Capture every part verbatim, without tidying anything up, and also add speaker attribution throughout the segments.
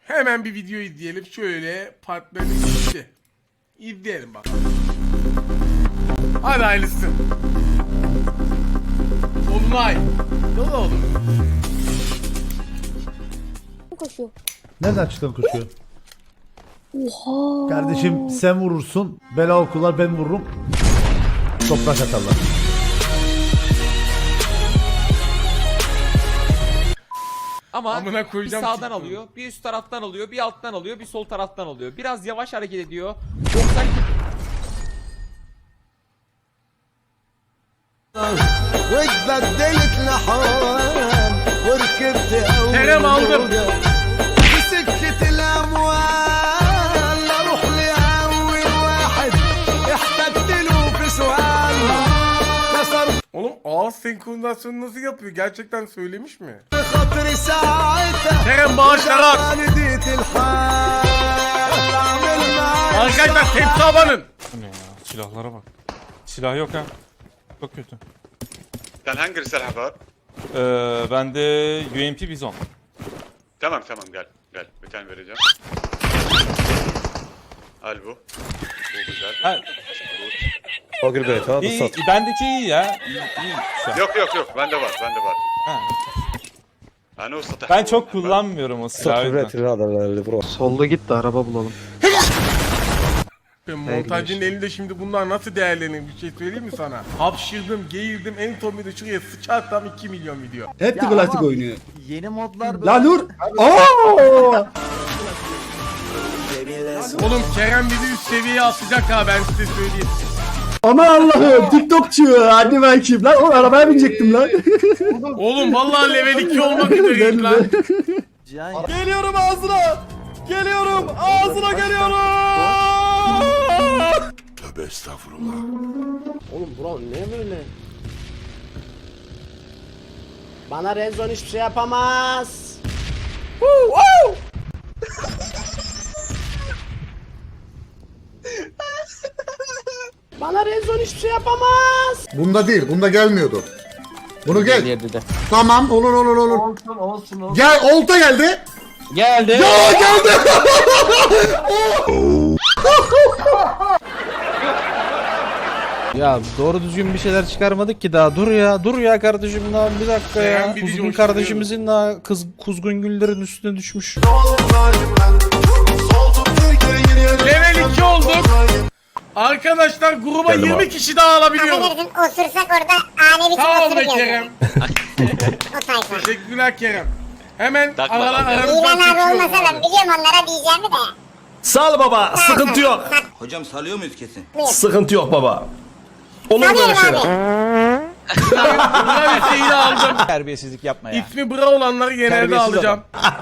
Speaker 1: Hemen bir video izleyelim. Şöyle partnerim gitti. İzleyelim bakalım. Hadi hayırlısı. Olunay. Ne oldu?
Speaker 2: Koşuyor.
Speaker 3: Nereden çıktın koşuyor?
Speaker 2: Oha.
Speaker 3: Kardeşim sen vurursun, bela okurlar ben vururum. Toprak atarlar.
Speaker 4: Ama
Speaker 1: Amına
Speaker 4: bir
Speaker 1: koyacağım
Speaker 4: sağdan
Speaker 1: çıktı.
Speaker 4: alıyor, bir üst taraftan alıyor, bir alttan alıyor, bir sol taraftan alıyor. Biraz yavaş hareket ediyor. doksan
Speaker 5: واتبدلت لحال وركبت
Speaker 1: Kerem aldım.
Speaker 5: بسكة الأموال أروح لأول واحد احتجت له في سؤال كسر
Speaker 1: Oğlum ağız senkronizasyonu nasıl yapıyor? Gerçekten söylemiş mi?
Speaker 5: خاطري ساعتها
Speaker 1: Kerem bağışlara.
Speaker 5: نديت الحال أعمل معاك
Speaker 1: Arkadaşlar tepsi abanın.
Speaker 6: Bu ne ya? Silahlara bak. Silah yok ha. Çok kötü.
Speaker 7: Sen hangi silah var?
Speaker 6: Ee, bende U M P Bizon.
Speaker 7: Tamam tamam gel. Gel bir tane vereceğim. Al bu. Bu güzel.
Speaker 6: Ha,
Speaker 7: Bu.
Speaker 6: iyi, iyi, bendeki iyi ya. İyi, iyi. Güzel.
Speaker 7: Yok yok yok bende var bende var.
Speaker 6: Ha.
Speaker 7: Hani o satış.
Speaker 6: Ben çok kullanmıyorum o silahı. o yüzden.
Speaker 8: Solda git de araba bulalım.
Speaker 1: Montajcının elinde şimdi bunlar nasıl değerlenir bir şey söyleyeyim mi sana? Hapşırdım, geğirdim, en son bir de şuraya sıçarsam iki milyon video.
Speaker 3: Hep de klasik oynuyor.
Speaker 8: Yeni modlar böyle.
Speaker 3: La Nur! Aa!
Speaker 1: Oğlum Kerem bizi üst seviyeye atacak ha ben size söyleyeyim.
Speaker 3: Aman Allah'ım TikTokçu hadi ben kim lan? O arabaya binecektim lan.
Speaker 1: Oğlum vallahi level iki olmak üzereyim lan.
Speaker 8: Cihan
Speaker 3: Geliyorum ağzına! Geliyorum! Ağzına geliyorum!
Speaker 9: Oğlum bro ne böyle? Bana Rezon hiçbir şey yapamaz. Bana Rezon hiçbir şey yapamaz.
Speaker 10: Bunda değil, bunda gelmiyordu. Bunu gel. Tamam, olur olur olur.
Speaker 8: olsun olsun olsun.
Speaker 10: Gel, olta geldi.
Speaker 8: Geldi.
Speaker 10: Ya geldi.
Speaker 8: Ya doğru düzgün bir şeyler çıkarmadık ki daha. Dur ya, dur ya kardeşim daha bir dakika
Speaker 1: Ben
Speaker 8: ya.
Speaker 1: bir
Speaker 8: Kuzgun
Speaker 1: coşturuyorum.
Speaker 8: kardeşimizin daha kız kuzgun güllerin üstüne düşmüş.
Speaker 1: Level iki olduk. Arkadaşlar gruba yirmi kişi daha alabiliyoruz.
Speaker 2: Osursak orada ani bir
Speaker 1: Sağ ol
Speaker 2: osuruk
Speaker 1: be
Speaker 2: yazıyor.
Speaker 1: Kerem.
Speaker 2: O tayfa.
Speaker 1: Teşekkürler Kerem. Hemen
Speaker 7: Takma
Speaker 1: aralar
Speaker 7: lan.
Speaker 1: aramızdan
Speaker 2: İlan abi
Speaker 1: seçiyorum
Speaker 2: olmasa ben
Speaker 1: abi.
Speaker 2: biliyorum onlara diyeceğimi de.
Speaker 5: Sal baba sıkıntı yok.
Speaker 11: Hocam salıyor muyuz kesin?
Speaker 5: Sıkıntı yok baba. Olur
Speaker 2: Sanıyorum abi.
Speaker 1: Bra Hüseyin'i aldım.
Speaker 8: Terbiyesizlik yapma ya.
Speaker 1: İsmi Bra olanları genelde
Speaker 8: Terbiyesiz
Speaker 1: alacağım.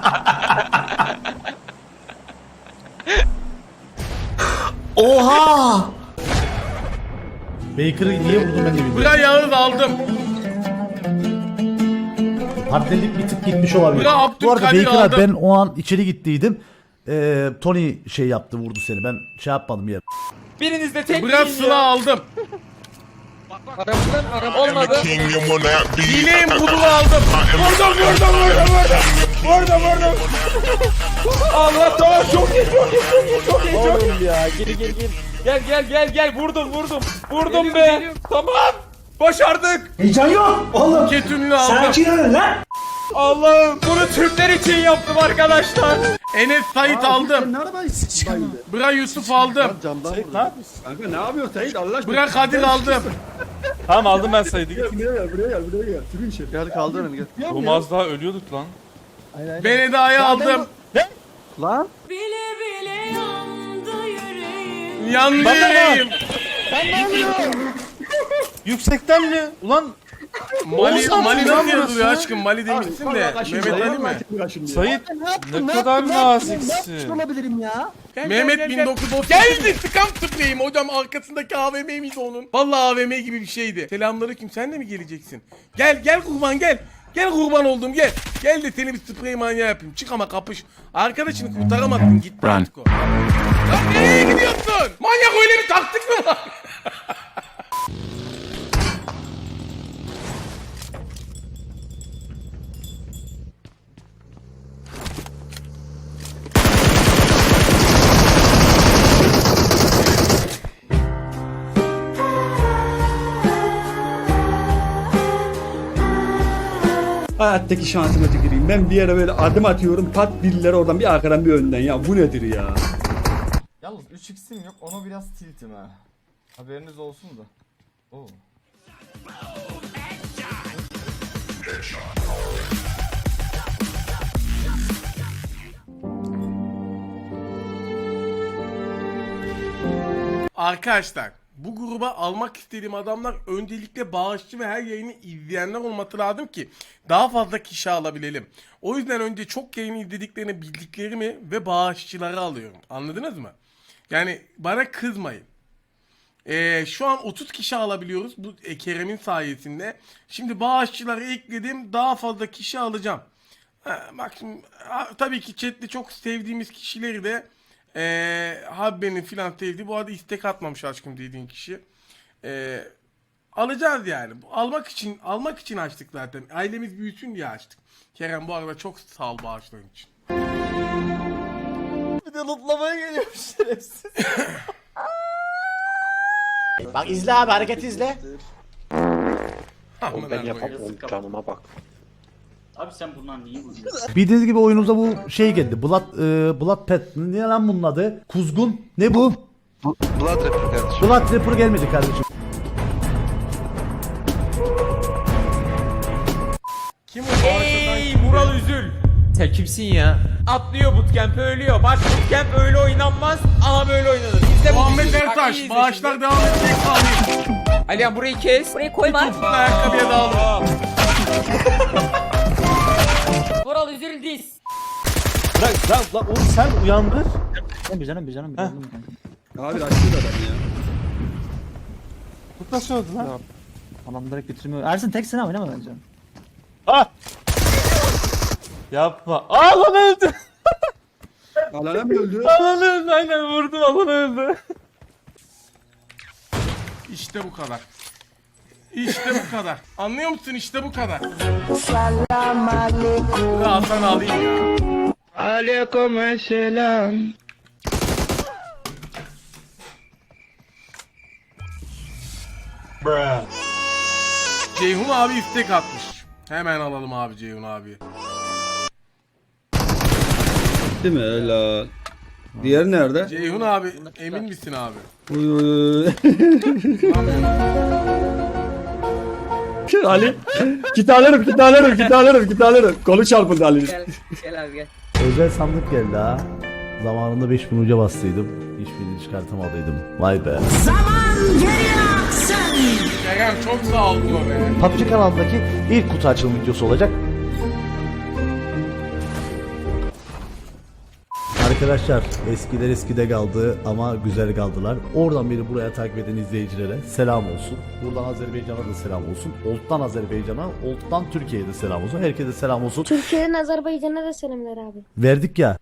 Speaker 5: Oha!
Speaker 3: Baker'ı niye vurdum ben de bilmiyorum.
Speaker 1: Bra Yağız aldım.
Speaker 3: Partnerlik bir tık gitmiş olabilir.
Speaker 1: Bra Abdülkadir
Speaker 3: Bu arada Baker abi
Speaker 1: aldım.
Speaker 3: ben o an içeri gittiydim. Ee, Tony şey yaptı vurdu seni. Ben şey yapmadım yer.
Speaker 4: Biriniz de tek
Speaker 1: Bra
Speaker 4: yiyin
Speaker 1: Sıla
Speaker 4: ya.
Speaker 1: aldım.
Speaker 4: Olmadı.
Speaker 1: Dileğim Budul'u aldım. Vurdum vurdum vurdum vurdum. Vurdum vurdum.
Speaker 4: Allah tamam çok iyi çok iyi çok iyi çok iyi çok iyi.
Speaker 8: Oğlum ya geri geri geri.
Speaker 4: Gel gel gel gel vurdum vurdum. Vurdum be. Tamam. Başardık.
Speaker 1: Ketünlü aldım.
Speaker 4: Allah'ım bunu Türkler için yaptım arkadaşlar.
Speaker 1: Enes Sait aldım. Bra Yusuf aldım.
Speaker 8: Kanka ne yapıyorsun Sait Allah aşkına?
Speaker 1: Bra Kadir aldım.
Speaker 6: Tamam aldım ben sayıydı. Git.
Speaker 8: Buraya gel buraya gel buraya gel. Sürün içeri. Gel kaldır beni gel.
Speaker 6: Oğlum az daha ölüyorduk lan.
Speaker 1: Ben Eda'yı aldım.
Speaker 8: Lan.
Speaker 2: Bile bile yandı yüreğim.
Speaker 1: Yandı
Speaker 6: Bana
Speaker 1: yüreğim.
Speaker 6: Yüksekten mi? Ulan
Speaker 1: Mali, Mali nasıl
Speaker 6: burası.
Speaker 1: yazılıyor aşkım? Mali demişsin de. Mehmet Ali mi?
Speaker 6: Sait ne kadar naziksin.
Speaker 8: olabilirim ya?
Speaker 1: Mehmet bin dokuz yüz otuz. Geldi sıkam tıklayayım. Hocam arkasındaki A V M miydi onun? Vallahi A V M gibi bir şeydi. Selamünaleyküm. Sen de mi geleceksin? Gel gel kurban gel. Gel kurban oldum gel. Gel de seni bir sprey manyağı yapayım. Çık ama kapış. Arkadaşını kurtaramadın gitti artık o. Lan nereye gidiyorsun? Manyak öyle bir taktik mi var?
Speaker 5: Hayattaki şansıma tüküreyim. Ben bir yere böyle adım atıyorum. Pat birileri oradan bir arkadan bir önden. Ya bu nedir ya?
Speaker 11: Yalnız üç x'im yok, onu biraz tiltim ha. Haberiniz olsun da. Oo.
Speaker 1: Arkadaşlar bu gruba almak istediğim adamlar öncelikle bağışçı ve her yayını izleyenler olması lazım ki daha fazla kişi alabilelim. O yüzden önce çok yayını izlediklerini bildiklerimi ve bağışçıları alıyorum. Anladınız mı? Yani bana kızmayın. Ee, şu an otuz kişi alabiliyoruz bu e, Kerem'in sayesinde. Şimdi bağışçıları ekledim, daha fazla kişi alacağım. Ha, bak şimdi ha, tabii ki chatte çok sevdiğimiz kişileri de ee, Habbe'nin filan sevdiği, bu arada istek atmamış aşkım dediğin kişi. Ee, alacağız yani. Almak için almak için açtık zaten. Ailemiz büyüsün diye açtık. Kerem bu arada çok sağ ol bağışların için.
Speaker 11: Bir de lootlamaya geliyormuş şerefsiz.
Speaker 9: Bak izle abi, hareket izle.
Speaker 1: Ben yapamam.
Speaker 11: Canıma bak.
Speaker 12: Abi sen bundan niye vuruyorsun?
Speaker 3: Bildiğiniz gibi oyunumuza bu şey geldi. Blood, e, Blood Pet. Ne lan bunun adı? Kuzgun. Ne bu?
Speaker 11: Blood Rapper kardeşim.
Speaker 3: Blood Rapper gelmedi kardeşim.
Speaker 1: Kim o bağışladan?
Speaker 4: Ey Vural Üzül. Sen kimsin ya? Atlıyor bootcamp ölüyor. Bak bootcamp öyle oynanmaz ama böyle oynanır. İzle bu
Speaker 1: Muhammed
Speaker 4: videoyu. Bak, iyi
Speaker 1: Ertaş
Speaker 4: izle
Speaker 1: bağışlar
Speaker 4: şimdi.
Speaker 1: devam edecek alayım.
Speaker 4: Alihan burayı kes.
Speaker 2: Burayı koyma.
Speaker 1: Topuklu ayakkabıya dağılır.
Speaker 2: Vural üzül diz.
Speaker 8: Bırak lan lan oğlum sen uyandır.
Speaker 11: Bir canım bir canım bir canım.
Speaker 5: Abi açtı adam ya.
Speaker 8: Bu nasıl oldu lan?
Speaker 11: Adam direkt bitirmiyor. Ersin tek sen oynama bence.
Speaker 8: Ah! Yapma. Aa lan öldü.
Speaker 5: Alana mı öldü?
Speaker 8: Alan öldü aynen vurdum alan öldü.
Speaker 1: İşte bu kadar. İşte bu kadar. Anlıyor musun? İşte bu kadar. Bunu Hasan alayım ya.
Speaker 11: Aleykümselam.
Speaker 1: Ceyhun abi istek atmış. Hemen alalım abi Ceyhun abi.
Speaker 5: Değil mi? Helal. Diğer nerede?
Speaker 1: Ceyhun abi emin misin abi?
Speaker 5: Uy, uy, uy.
Speaker 1: Anlamıyorum.
Speaker 5: Ali. Git alırım, git alırım, git alırım, git alırım. Kolu çarpıldı Ali'nin.
Speaker 12: Gel abi gel.
Speaker 3: Özel sandık geldi ha. Zamanında beş bin uca bastıydım. Hiçbirini çıkartamadıydım. Vay be.
Speaker 1: Kerem çok sağ ol diyor be.
Speaker 3: P U B G kanalındaki ilk kutu açılım videosu olacak. Arkadaşlar eskiler eskide kaldı ama güzel kaldılar. Oradan beni buraya takip eden izleyicilere selam olsun. Buradan Azerbaycan'a da selam olsun. Old'dan Azerbaycan'a, Old'dan Türkiye'ye de selam olsun. Herkese selam olsun.
Speaker 2: Türkiye'nin Azerbaycan'a da selamlar abi.
Speaker 3: Verdik ya.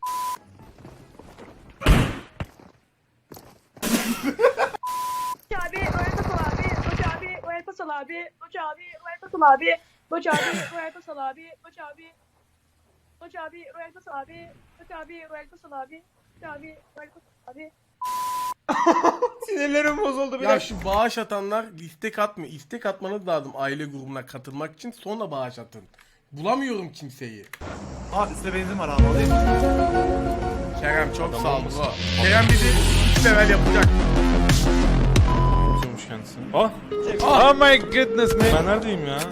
Speaker 2: Abi, Royal Pasal abi, Koç abi, Royal Pasal abi, Koç abi, Royal Pasal abi, Koç abi, Royal Pasal abi, Koç abi, Koç abi, Royal Pasal abi, Koç abi, Royal Pasal abi, Koç abi, Royal Pasal abi.
Speaker 4: Sinirlerim bozuldu bir
Speaker 1: Ya
Speaker 4: dakika.
Speaker 1: şu bağış atanlar istek atmıyor. İstek atmanız lazım aile grubuna katılmak için, sonra bağış atın. Bulamıyorum kimseyi.
Speaker 8: Aa üstte benzin var abi.
Speaker 1: Kerem çok sağ ol bro. Kerem bizi iki level yapacak.
Speaker 6: Atıyormuş kendisi. Oh! Oh my goodness man. Ben neredeyim ya?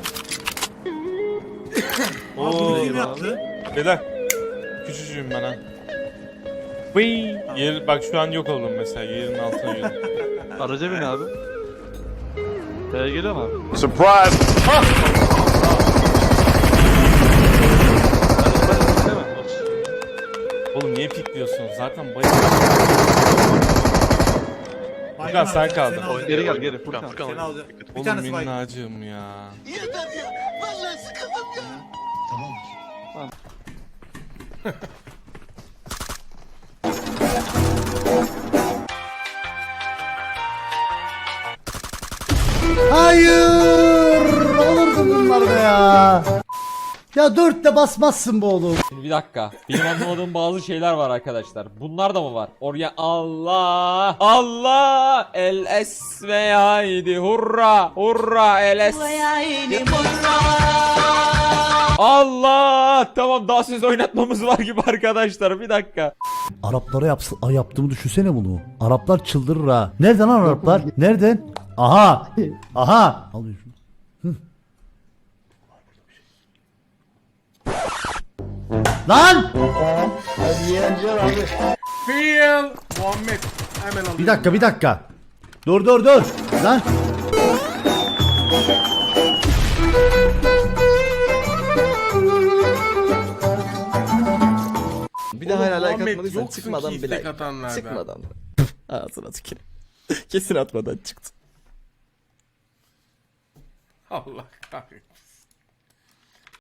Speaker 6: Oo,
Speaker 8: Kim yaptı?
Speaker 6: beyler. Küçücüğüm ben ha. Vıy. Yer, bak şu an yok oldum mesela. Yerin altına girdim.
Speaker 8: Araca bin abi. Buraya geliyor mu abi?
Speaker 5: Surprise!
Speaker 6: Oğlum niye pikliyorsun? Zaten bayıldım. Furkan sen kaldın.
Speaker 8: Geri gel geri. Furkan. Seni alacağım. Bir
Speaker 6: Oğlum
Speaker 8: tanesi var.
Speaker 6: minnacığım ya.
Speaker 3: Hayır! Olurdu bunlar be ya. Ya dörtte basmazsın bu oğlum.
Speaker 4: Şimdi bir dakika. Benim anlamadığım bazı şeyler var arkadaşlar. Bunlar da mı var? Oraya Allah Allah el esve haydi hurra hurra el es. Allah! Tamam daha siz oynatmamız var gibi arkadaşlar. Bir dakika.
Speaker 3: Araplara yapsın, ay yaptığımı düşünsene bunu. Araplar çıldırır ha. Nereden lan Araplar? Nereden? Aha. Aha. Al şunu. Hı. Lan!
Speaker 1: Feel Muhammed. Hemen alayım.
Speaker 3: Bir dakika bir dakika. Dur dur dur. Lan.
Speaker 1: Bir daha hala like atmadıysan çıkmadan bir like. Çıkmadan.
Speaker 8: Ağzına tüküreyim. Kesin atmadan çıktı.
Speaker 1: Allah kahretsin.